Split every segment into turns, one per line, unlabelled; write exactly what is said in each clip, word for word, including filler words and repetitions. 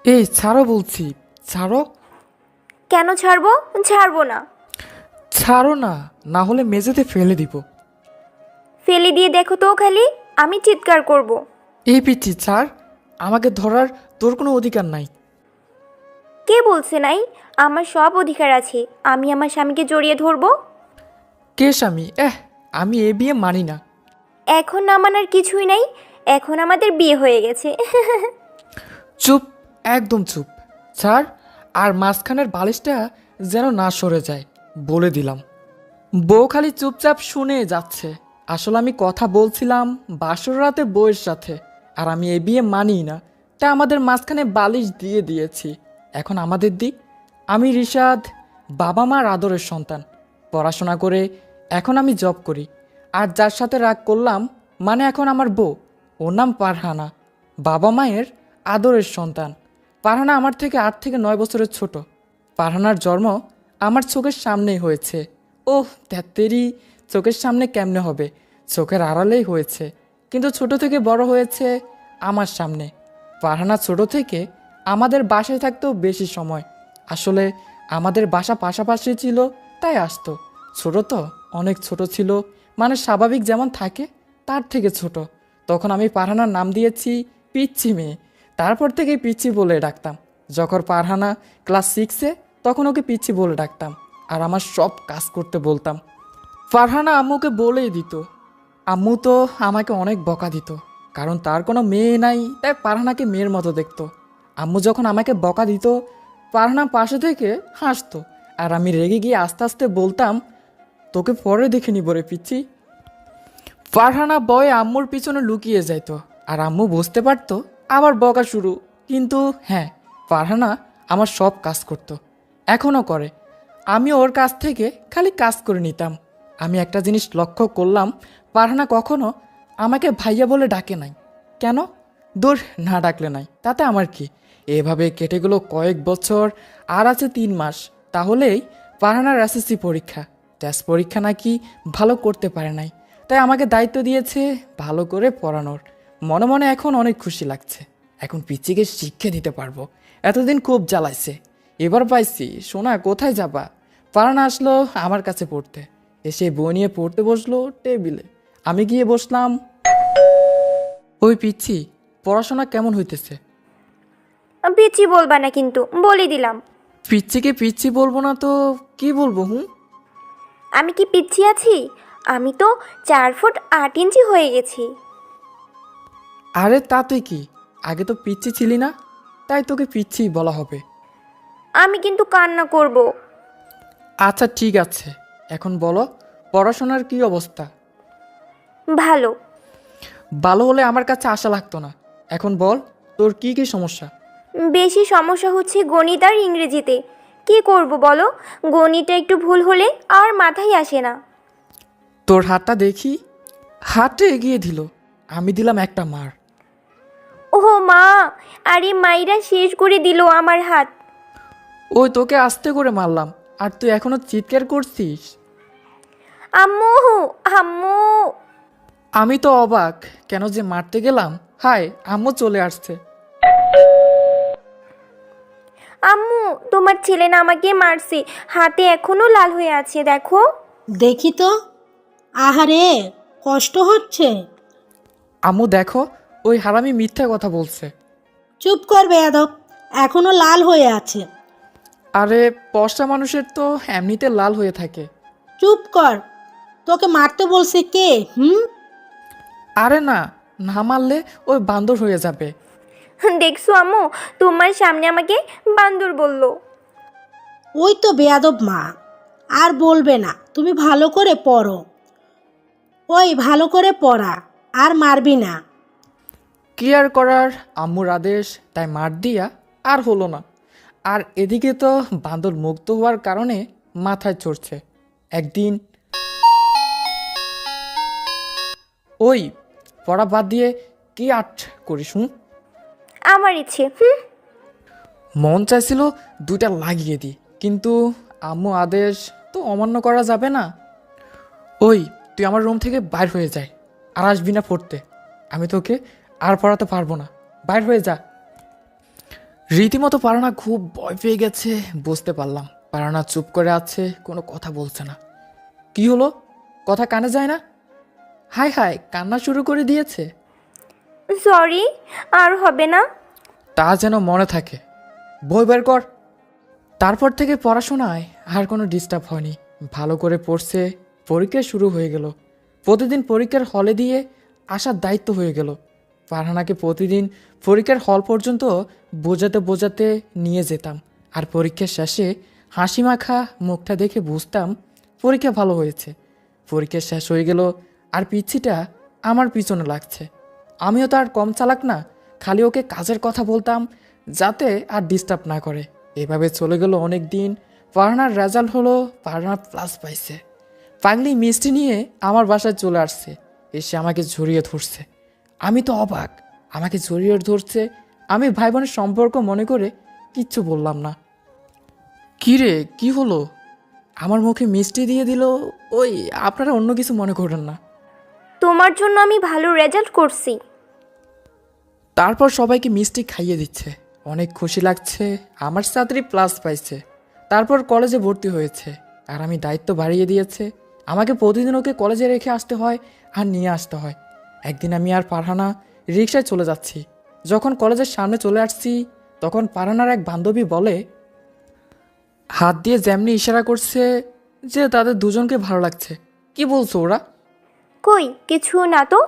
এই ছাড়ো বলছি। ছাড়ো।
কেন ছাড়বো? ছাড়বো না।
ছাড়ো না, না হলে মেঝেতে ফেলে দিব।
ফেলে দিয়ে দেখো তো খালি, আমি চিৎকার করব।
এই পিচ্ছি ছাড়। আমাকে ধরার তোর কোনো অধিকার নাই।
কে বলছে নাই? আমার সব অধিকার আছে, আমি আমার স্বামীকে জড়িয়ে ধরবো।
কে স্বামী? এহ, আমি এ বিয়ে মানি না।
এখন না মানার কিছুই নাই, এখন আমাদের বিয়ে হয়ে গেছে।
চুপ, একদম চুপ। ছাড়। আর মাঝখানের বালিশটা যেন না সরে যায়, বলে দিলাম। বউ খালি চুপচাপ শুনে যাচ্ছে। আসলে আমি কথা বলছিলাম বাসর রাতে বউয়ের সাথে, আর আমি এ বিয়ে মানি না। তা আমাদের মাঝখানে বালিশ দিয়ে দিয়েছি। এখন আমাদের দিক। আমি রিশাদ, বাবা মার আদরের সন্তান। পড়াশোনা করে এখন আমি জব করি। আর যার সাথে রাগ করলাম, মানে এখন আমার বউ, ওর নাম পারহানা। বাবা মায়ের আদরের সন্তান। পারহানা আমার থেকে আট থেকে নয় বছরের ছোট। পারহানার জন্ম আমার চোখের সামনেই হয়েছে। ওহ ধ্যাত্তেরি, চোখের সামনে কেমনে হবে? চোখের আড়ালেই হয়েছে, কিন্তু ছোট থেকে বড় হয়েছে আমার সামনে। পারহানা ছোট থেকে আমাদের বাসায় থাকতেও বেশি সময়। আসলে আমাদের বাসা পাশাপাশি ছিল, তাই আসতো। ছোট তো, অনেক ছোট ছিল, মানে স্বাভাবিক যেমন থাকে তার থেকে ছোট। তখন আমি পারহানার নাম দিয়েছি পিচ্ছি মেয়ে। তারপর থেকেই পিচ্ছি বলে ডাকতাম। যখন পারহানা ক্লাস সিক্সে, তখন ওকে পিচ্ছি বলে ডাকতাম। আর আমার সব কাজ করতে বলতাম। ফারহানা আম্মুকে বলেই দিত। আম্মু তো আমাকে অনেক বকা দিত, কারণ তার কোনো মেয়ে নাই, তাই ফারহানাকে মেয়ের মতো দেখতো। আম্মু যখন আমাকে বকা দিত, ফারহানা পাশে থেকে হাসতো। আর আমি রেগে গিয়ে আস্তে আস্তে বলতাম, তোকে পরে দেখে নিব রে পিচ্ছি। ফারহানা বয়ে আম্মুর পিছনে লুকিয়ে যাইতো, আর আম্মু বুঝতে পারতো আবার বকা শুরু। কিন্তু হ্যাঁ, ফারহানা আমার সব কাজ করতো, এখনও করে। আমি ওর কাছ থেকে খালি কাজ করে নিতাম। আমি একটা জিনিস লক্ষ্য করলাম, ফারহানা কখনো আমাকে ভাইয়া বলে ডাকে নাই। কেন? দূর, না ডাকলে নাই, তাতে আমার কি। এভাবে কেটে গেল কয়েক বছর। আর আছে তিন মাস, তাহলেই ফারহানার এসএসসি পরীক্ষা। টেস্ট পরীক্ষা নাকি ভালো করতে পারে নাই, তাই আমাকে দায়িত্ব দিয়েছে ভালো করে পড়ানোর। মনে মনে এখন অনেক খুশি লাগছে। এখন পিচিকে শিক্ষা দিতে পারবো। এতদিন খুব জ্বালাইছে, এবার পাইছি। সোনা কোথায় যাবা? ফারহানা আসলো আমার কাছে পড়তে। এসে বই নিয়ে পড়তে বসলো টেবিলে। আমি গিয়ে বসলাম। ওই পিচ্ছি, পড়াশোনা কেমন হইতেছে?
পিচ্ছি বলবা না কিন্তু, বলে দিলাম।
পিচ্ছিকে পিচ্ছি বলবো না তো কি বলবো? হুম।
আমি কি পিচ্ছি আছি? আমি তো চার ফুট আট ইঞ্চি হয়ে গেছি।
আরে তাতে কি, আগে তো পিচ্ছি ছিলি না, তাই তোকে পিচ্ছি বলা হবে।
আমি কিন্তু কান্না করব।
আচ্ছা ঠিক আছে, এখন বলো পড়াশোনার কি অবস্থা?
ভালো।
ভালো হলে আমার কাছে আশা লাগতো না। এখন বল তোর কি কি সমস্যা?
বেশি সমস্যা হচ্ছে গণিত আর ইংরেজিতে। কি করব বলো? গণিতটা একটু ভুল হলে আর মাথায় আসে না।
তোর হাতটা দেখি। হাতটা এগিয়ে দিল। আমি দিলাম একটা মার।
ওহো মা! আরে মাইরা শেষ করে দিল আমার হাত।
ওই তোকে আস্তে করে মারলাম, আর তুই এখনো চিৎকার করছিস।
আম্মু! আম্মু!
আমি তো অবাক, কেন যে মারতে গেলাম। হায়, আম্মু চলে আসছে।
আম্মু, তোমার ছেলে না আমাকে মারছে, হাতে এখনো লাল হয়ে আছে দেখো।
দেখি তো। আহারে, কষ্ট হচ্ছে।
আম্মু দেখো, ওই হারামি মিথ্যা কথা বলছে।
চুপ কর বেয়াদব, এখনো লাল হয়ে আছে।
আরে পশা মানুষের তো এমনিতে লাল হয়ে থাকে।
চুপ কর, তোকে মারতে বলছে কে? হুম।
আরে না, না মারলে ওই বান্দর হয়ে যাবে।
দেখছো আম্মু, তোমার সামনে আমাকে বান্দর বলল।
ওই তো বেয়াদব মা। আর বলবে না, তুমি ভালো করে পড়ো। ওই ভালো করে পড়া, আর মারবি না।
কি আর করার, আম্মুর আদেশ, তাই মার দিয়া আর হলো না। আর এদিকে তো বান্দর মুক্ত হওয়ার কারণে মাথায় চড়ছে। একদিন ওই পড়া বাদ দিয়ে কি আর্ট করিস? হুম।
আমার ইচ্ছে। হুম।
মন চাইছিল দুইটা লাগিয়ে দিই, কিন্তু আম্মু আদেশ তো অমান্য করা যাবে না। ওই তুই আমার রুম থেকে বাইর হয়ে যায়, আর আসবি না পড়তে। আমি তোকে আর পড়াতে পারবো না, বাইর হয়ে যা। রীতিমতো পারানা খুব ভয় পেয়ে গেছে বুঝতে পারলাম। পারানা চুপ করে আছে, কোনো কথা বলছে না। কি হলো, কথা কানে যায় না? হাই হাই, কান্না শুরু করে দিয়েছে।
সরি, আর হবে না।
তা যেন মনে থাকে। বই বের কর। তারপর থেকে পড়াশোনায় আর কোনো ডিস্টার্ব হয়নি, ভালো করে পড়ছে। পরীক্ষা শুরু হয়ে গেল। প্রতিদিন পরীক্ষার হলে দিয়ে আসার দায়িত্ব হয়ে গেল। ফারহানাকে প্রতিদিন পরীক্ষার হল পর্যন্ত বোঝাতে বোঝাতে নিয়ে যেতাম। আর পরীক্ষার শেষে হাসি মাখা মুখটা দেখে বুঝতাম পরীক্ষা ভালো হয়েছে। পরীক্ষা শেষ হয়ে গেল আর পিচ্ছিটা আমার পিছনে লাগছে। আমিও তো আর কম চালাক না, খালি ওকে কাজের কথা বলতাম যাতে আর ডিস্টার্ব না করে। এভাবে চলে গেল অনেক দিন। ফারহানার রেজাল্ট হলো, ফারহানা প্লাস পাইছে। পাগলি মিষ্টি নিয়ে আমার বাসায় চলে আসছে, এসে আমাকে জড়িয়ে ধরছে। আমি তো অবাক, আমাকে জড়িয়ে ধরছে। আমি ভাই বোনের সম্পর্ক মনে করে কিচ্ছু বললাম না। কি রে, কি হলো? আমার মুখে মিষ্টি দিয়ে দিল। ওই, আপনারা অন্য কিছু মনে করেন না।
তোমার জন্য আমি ভালো রেজাল্ট করছি।
তারপর সবাইকে মিষ্টি খাইয়ে দিচ্ছে। অনেক খুশি লাগছে, আমার ছাত্রী প্লাস পাইছে। তারপর কলেজে ভর্তি হয়েছে আর আমি দায়িত্ব বাড়িয়ে দিয়েছে। আমাকে প্রতিদিন ওকে কলেজে রেখে আসতে হয় আর নিয়ে আসতে হয়। একদিন আমি আর পারহানা রিকশায় চলে যাচ্ছি। যখন কলেজের সামনে চলে আসছি তখন পারহানার এক বান্ধবী বলে, হাত দিয়ে যেমনি ইশারা করছে যে তাদের দুজনকে ভালো লাগছে। কি বলছো ওরা?
কই কিছু না তো।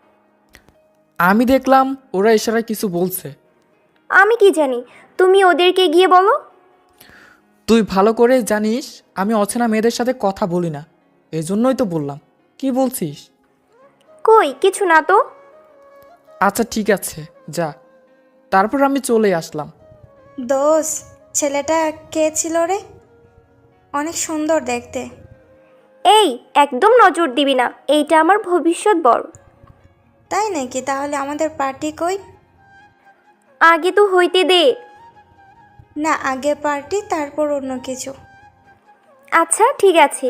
আমি দেখলাম ওরা ইশারায় কিছু বলছে।
আমি কি জানি, তুমি ওদেরকে গিয়ে বলো।
তুই ভালো করে জানিস আমি অচেনা মেয়েদের সাথে কথা বলি না, এই জন্যই তো বললাম। কি বলছিস?
কই কিছু না তো।
আচ্ছা ঠিক আছে, যা। তারপর আমি চলে আসলাম।
দোষ, ছেলেটা কে ছিল রে? অনেক সুন্দর দেখতে।
এই একদম নজর দিবি না, এইটা আমার ভবিষ্যৎ বর।
তাই নাকি? তাহলে আমাদের পার্টি কই?
আগে তো হইতে দে।
না, আগে পার্টি তারপর অন্য কিছু।
আচ্ছা ঠিক আছে।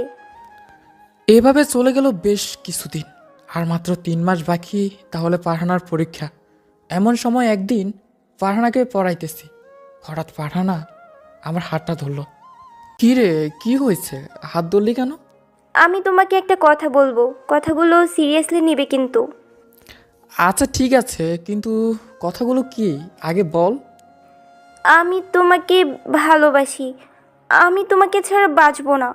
এভাবে চলে গেল বেশ কিছুদিন। আর মাত্র তিন মাস বাকি, তাহলে পারহানার পরীক্ষা। এমন সময় একদিন পারহানাকে পড়াইতেছি, হঠাৎ পারহানা আমার হাতটা ধরলো। কি রে, কি হয়েছে? হাত ধরলি কেন?
আমি তোমাকে একটা কথা বলবো, কথাগুলো সিরিয়াসলি নিবে কিন্তু।
আচ্ছা ঠিক আছে, কিন্তু কথাগুলো কি আগে বল।
আমি তোমাকে ভালোবাসি, আমি তোমাকে ছাড়া বাঁচবো না।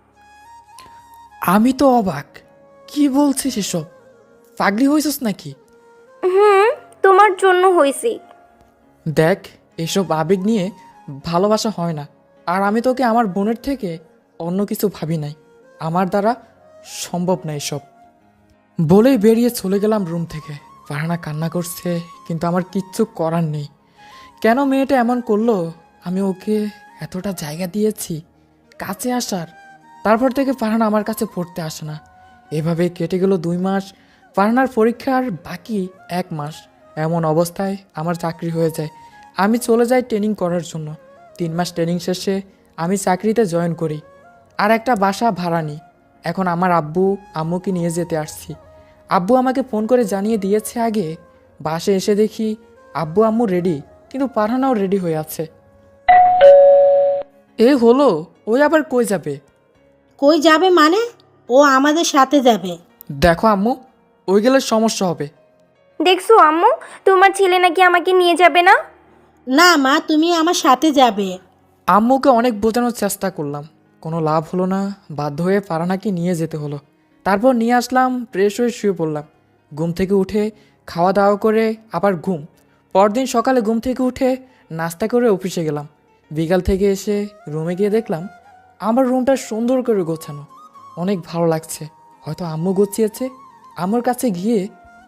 আমি তো অবাক, কি বলছিস এসব? পাগলি হয়েছিস নাকি?
হুম, তোমার জন্য হয়েছি।
দেখ, এসব আবেগ নিয়ে ভালোবাসা হয় না। আর আমি তোকে আমার বোনের থেকে অন্য কিছু ভাবি নাই, আমার দ্বারা সম্ভব না এসব। বলেই বেরিয়ে চলে গেলাম রুম থেকে। ফারহানা কান্না করছে, কিন্তু আমার কিচ্ছু করার নেই। কেন মেয়েটা এমন করলো? আমি ওকে এতটা জায়গা দিয়েছি কাছে আসার, তারপর থেকে ফারহানা আমার কাছে পড়তে আসে না। এভাবে কেটে গেল দুই মাস। ফারহানার পরীক্ষার বাকি এক মাস। এমন অবস্থায় আমার চাকরি হয়ে যায়। আমি চলে যাই ট্রেনিং করার জন্য। তিন মাস ট্রেনিং শেষে আমি চাকরিতে জয়েন করি আর একটা বাসা ভাড়া নিই। এখন আমার আব্বু আম্মুকে নিয়ে যেতে আসছি। আব্বু আমাকে ফোন করে জানিয়ে দিয়েছে আগে। বাসে এসে দেখি আব্বু আম্মু রেডি, কিন্তু পারহানাও রেডি হয়ে আছে। এ হলো, ওই আবার কই যাবে?
কই যাবে মানে? ও আমাদের সাথে যাবে।
দেখো আম্মু, ওই গেলে সমস্যা হবে।
দেখছো আম্মু, তোমার ছেলে নাকি আমাকে নিয়ে যাবে না।
না মা, তুমি আমার সাথে যাবে।
আম্মুকে অনেক বোঝানোর চেষ্টা করলাম, কোনো লাভ হলো না। বাধ্য হয়ে ফারহানাকে নিয়ে যেতে হলো। তারপর নিয়ে আসলাম, ফ্রেশ হয়ে শুয়ে পড়লাম। ঘুম থেকে উঠে খাওয়া দাওয়া করে আবার ঘুম। পরদিন সকালে ঘুম থেকে উঠে নাস্তা করে অফিসে গেলাম। বিকাল থেকে এসে রুমে গিয়ে দেখলাম আমার রুমটা সুন্দর করে গোছানো, অনেক ভালো লাগছে। হয়তো আম্মু গুছিয়েছে। আম্মুর কাছে গিয়ে,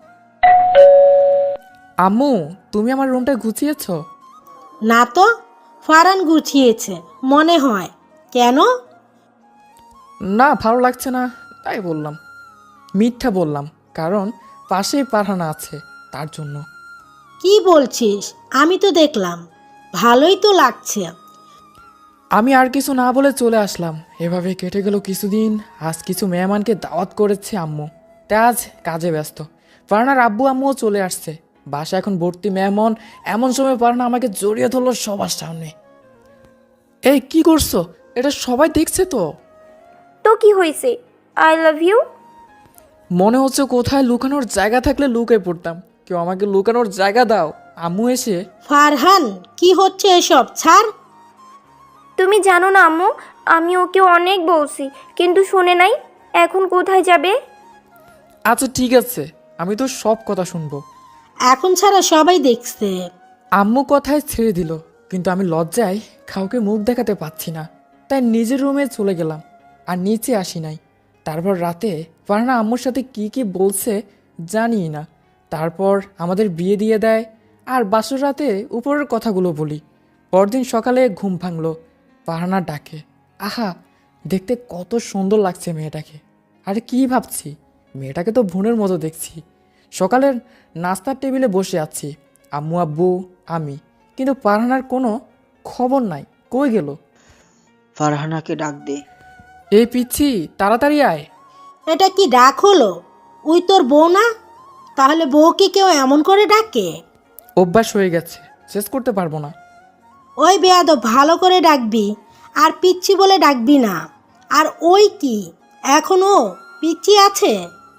আম্মু তুমি আমার রুমটা গুছিয়েছো?
না তো, ফারান গুছিয়েছে মনে হয়। কেন?
না, ভালো লাগছে না তাই বললাম। মিথ্যা বললাম, কারণ পাশেই পারহানা আছে তার জন্য।
কি বলছিস? আমি তো দেখলাম, ভালোই তো লাগছে।
আমি আর কিছু না বলে চলে আসলাম। এভাবে কেটে গেল কিছুদিন। আজ কিছু মেহমানকে দাওয়াত করেছে আম্মু, তাই আজ কাজে ব্যস্ত। ফারহানার আব্বু আম্মুও চলে আসছে। বাসা এখন ভর্তি মেহমান। এমন সময় পারহানা আমাকে জড়িয়ে ধরলো সবার সামনে। এই কি করছো? এটা সবাই দেখছে তো।
তো কি হয়েছে? I love you.
মনে হচ্ছে কোথায় লুকানোর জায়গা থাকলে লুকায় পড়তাম। কেউ আমাকে লুকানোর জায়গা দাও। আম্মু এসে,
ফারহান, কি হচ্ছে এসব? ছাড়।
তুমি জানো না আম্মু, আমি ওকে অনেক বলছি কিন্তু শুনে নাই। এখন কোথায় যাবে?
আচ্ছা ঠিক আছে, আমি তো সব কথা শুনবো।
এখন ছাড়া সবাই দেখছে।
আম্মু কথায় ছেড়ে দিল, কিন্তু আমি লজ্জায় কাউকে মুখ দেখাতে পাচ্ছি না। তাই নিজের রুমে চলে গেলাম আর নিচে আসি নাই। তারপর রাতে ফারহানা আম্মুর সাথে কি কি বলছে জানি না। তারপর আমাদের বিয়ে দিয়ে দেয় আর বাসর রাতে উপরের কথাগুলো বলি। পরদিন সকালে ঘুম ভাঙলো, ফারহানা ডাকে। আহা, দেখতে কত সুন্দর লাগছে মেয়েটাকে। আরে কি ভাবছি, মেয়েটাকে তো বোনের মতো দেখছি। সকালের নাস্তার টেবিলে বসে আছি, আম্মু আব্বু আমি, কিন্তু ফারহানার কোনো খবর নাই। কই গেল?
ফারহানাকে ডাক দে।
এই পিচ্ছি, তাড়াতাড়ি আয়।
এটা কি ডাক হলো? ওই তোর বউ না? তাহলে বউকে কেউ এমন করে ডাকে?
অভ্যাস হয়ে গেছে, শেষ করতে পারবো না।
ওই বেয়াদব, ভালো করে ডাকবি, আর পিচ্ছি বলে ডাকবি না। আর ওই কি, এখনো পিচ্ছি আছে?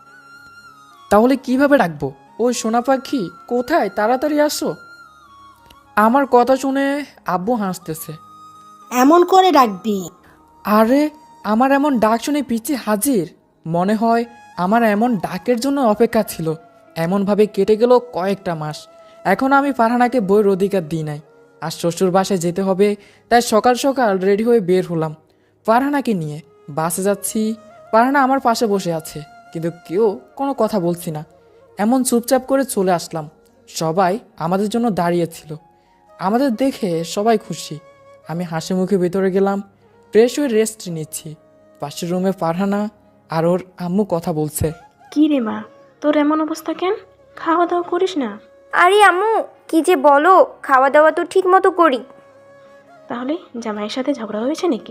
তাহলে কিভাবে ডাকবো? ওই সোনা পাখি কোথায়, তাড়াতাড়ি আসো। আমার কথা শুনে আব্বু হাসতেছে।
এমন করে ডাকবি।
আরে, আমার এমন ডাক শুনে পিচ্ছি হাজির। মনে হয় আমার এমন ডাকের জন্য অপেক্ষা ছিল। এমনভাবে কেটে গেল কয়েকটা মাস। এখন আমি ফারহানাকে বইয়ের অধিকার দিই নাই। আর শ্বশুর বাসায় যেতে হবে, তাই সকাল সকাল রেডি হয়ে বের হলাম ফারহানাকে নিয়ে। বাসে যাচ্ছি, ফারহানা আমার পাশে বসে আছে, কিন্তু কেউ কোনো কথা বলছি না। এমন চুপচাপ করে চলে আসলাম। সবাই আমাদের জন্য দাঁড়িয়েছিল। আমাদের দেখে সবাই খুশি। আমি হাসি মুখে ভেতরে গেলাম, ফ্রেশ হয়ে রেস্ট নিচ্ছি। পাশের রুমে ফারহানা আর ওর আম্মু কথা বলছে।
কি রে মা, তোর এমন অবস্থা কেন? খাওয়া দাওয়া করিস না?
আরে আম্মু, কি যে বলো, খাওয়া দাওয়া তো ঠিক মতো করি।
তাহলে জামাইয়ের সাথে ঝগড়া হয়েছে নাকি?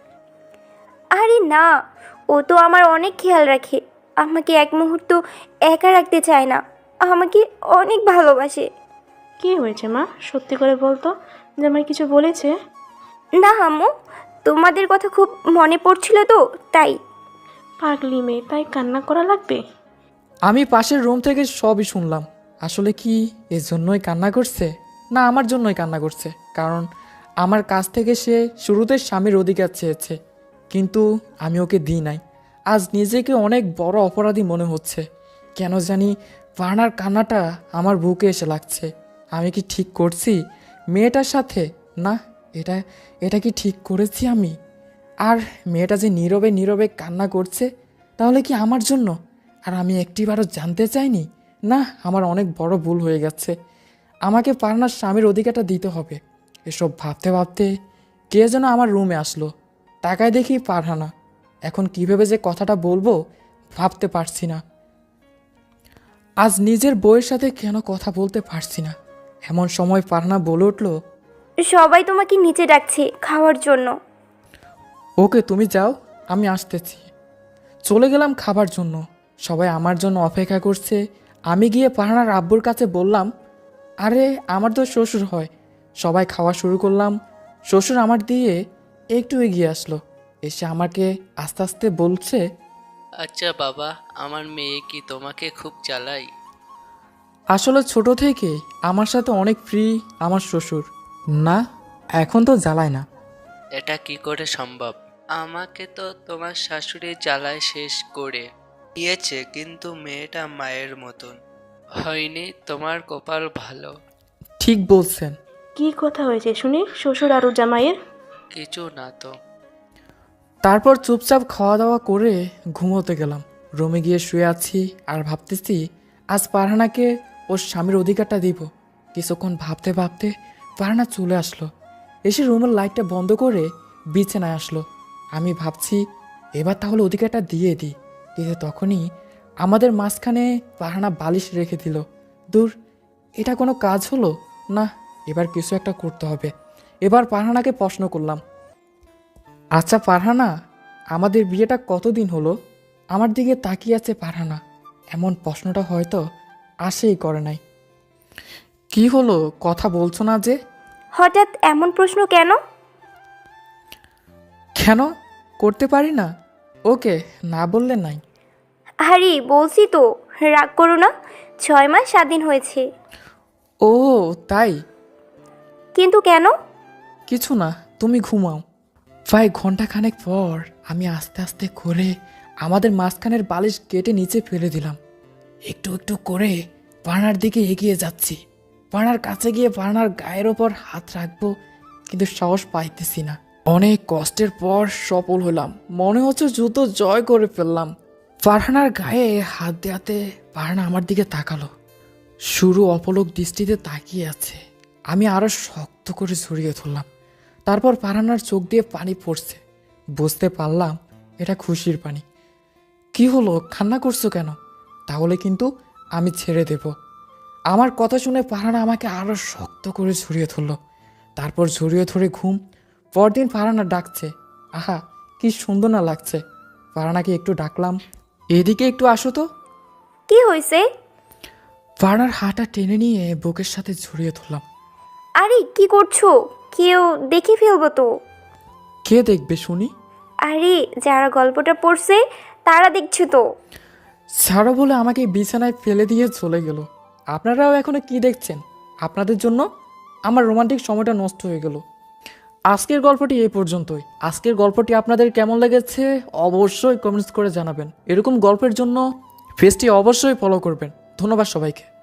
আরে না, ও তো আমার অনেক খেয়াল রাখে। আমাকে এক মুহূর্ত একা রাখতে চায় না, আমাকে অনেক ভালোবাসে।
কি হয়েছে মা, সত্যি করে বলতো, জামাই কিছু বলেছে?
না আম্মু, তোমাদের কথা খুব মনে পড়ছিল তো তাই।
পাগলি মেয়ে, তাই কান্না করা লাগবে?
আমি পাশের রুম থেকে সবই শুনলাম। আসলে কি এর জন্যই কান্না করছে, না আমার জন্যই কান্না করছে? কারণ আমার কাছ থেকে সে শুরুতে স্বামীর অধিকার চেয়েছে, কিন্তু আমি ওকে দিই নাই। আজ নিজেকে অনেক বড় অপরাধী মনে হচ্ছে। কেন জানি ফারহানার কান্নাটা আমার বুকে এসে লাগছে। আমি কি ঠিক করছি মেয়েটার সাথে? না, এটা এটা কি ঠিক করেছি আমি? আর মেয়েটা যে নীরবে নীরবে কান্না করছে, তাহলে কি আমার জন্য? আর আমি একটিবারও জানতে চাইনি? না, আমার অনেক বড় ভুল হয়ে গেছে। আমাকে ফারহানার স্বামীর অধিকারটা দিতে হবে। এসব ভাবতে ভাবতে কে যেন আমার রুমে আসলো। তাকায় দেখি ফারহানা। এখন কীভাবে যে কথাটা বলবো ভাবতে পারছি না। আজ নিজের বউয়ের সাথে কেন কথা বলতে পারছি না। এমন সময় ফারহানা বলে উঠল,
সবাই তোমাকে নিচে ডাকছে খাওয়ার জন্য।
ওকে তুমি যাও, আমি আসতেছি। চলে গেলাম খাবার জন্য। সবাই আমার জন্য অপেক্ষা করছে। আমি গিয়ে ফারহানার আব্বুর কাছে বললাম, আরে আমার তো শ্বশুর হয়। সবাই খাওয়া শুরু করলাম। শ্বশুর আমার দিয়ে একটু এগিয়ে আসলো, এসে আমাকে আস্তে আস্তে বলছে,
আচ্ছা বাবা, আমার মেয়ে কি তোমাকে খুব জ্বালায়?
আসলে ছোট থেকে আমার সাথে অনেক ফ্রি আমার শ্বশুর। না, এখন তো জ্বালায় না।
এটা কি করে সম্ভব? আমাকে তো তোমার শাশুড়ি জ্বালায় শেষ করে দিয়েছে, কিন্তু মেয়েটা মায়ের মতন। হয়নি, তোমার কপাল ভালো।
ঠিক বলছেন।
কি কথা হয়েছে শুনি শ্বশুর আর ওর জামাইয়ের?
কিছু না তো।
তারপর চুপচাপ খাওয়া দাওয়া করে ঘুমোতে গেলাম। রুমে গিয়ে শুয়ে আছি আর ভাবতেছি আজ ফারহানাকে ওর স্বামীর অধিকারটা দিব। কিছুক্ষণ ভাবতে ভাবতে ফারহানা চলে আসলো, এসে রুমের লাইটটা বন্ধ করে বিছানায় আসলো। আমি ভাবছি এবার তাহলে অধিকারটা দিয়ে দিই, কিন্তু তখনই আমাদের মাঝখানে ফারহানা বালিশ রেখে দিল। দূর, এটা কোনো কাজ হলো না। এবার কিছু একটা করতে হবে। এবার ফারহানাকে প্রশ্ন করলাম, আচ্ছা ফারহানা, আমাদের বিয়েটা কতদিন হলো? আমার দিকে তাকিয়ে আছে ফারহানা। এমন প্রশ্নটা হয়তো আশেই করে নাই। কি হলো, কথা বলছো না যে?
হঠাৎ এমন প্রশ্ন কেন?
কেন করতে পারি না? ওকে, না বললে নাই।
আরে বলছি তো, রাগ করো না। ছয় মাস স্বাধীন হয়েছে।
ও তাই?
কিন্তু কেন?
কিছু না, তুমি ঘুমাও। প্রায় ঘন্টাখানেক পর আমি আস্তে আস্তে করে আমাদের মাঝখানের বালিশ কেটে নিচে ফেলে দিলাম। একটু একটু করে পানার দিকে এগিয়ে যাচ্ছি। পানার কাছে গিয়ে পানার গায়ের ওপর হাত রাখবো, কিন্তু সাহস পাইতেছি না। অনেক কষ্টের পর সফল হলাম, মনে হচ্ছে যুদ্ধ জয় করে ফেললাম। ফারহানার গায়ে হাত দেওয়াতে ফারহানা আমার দিকে তাকালো। শুরু অপলক দৃষ্টিতে তাকিয়ে আছে। আমি আরো শক্ত করে জড়িয়ে ধরলাম। তারপর ফারহানার চোখ দিয়ে পানি পড়ছে। বুঝতে পারলাম এটা খুশির পানি। কি হলো, কান্না করছো কেন? তাহলে কিন্তু আমি ছেড়ে দেব। আমার কথা শুনে ফারহানা আমাকে আরো শক্ত করে জড়িয়ে ধরলো। তারপর জড়িয়ে ধরে ঘুম। পরদিন ফারহানা ডাকছে। আহা, কি সুন্দর না লাগছে। ফারহানাকে একটু ডাকলাম, এদিকে একটু আসো তো।
কি হয়েছে?
ফারহানার হাঁটা টেনে নিয়ে বুকের সাথে জড়িয়ে ধরলাম।
আরে কি করছো? কেউ দেখে ফেলবো তো।
কে দেখবে শুনি?
আরে যারা গল্পটা পড়ছে তারা দেখছে তো।
ছাড়ো বলে আমাকে বিছানায় ফেলে দিয়ে চলে গেল। আপনারাও এখনো কি দেখছেন? আপনাদের জন্য আমার রোমান্টিক সময়টা নষ্ট হয়ে গেল। আজকের গল্পটি এই পর্যন্তই। আজকের গল্পটি আপনাদের কেমন লেগেছে অবশ্যই কমেন্টস করে জানাবেন। এরকম গল্পের জন্য পেজটি অবশ্যই ফলো করবেন। ধন্যবাদ সবাইকে।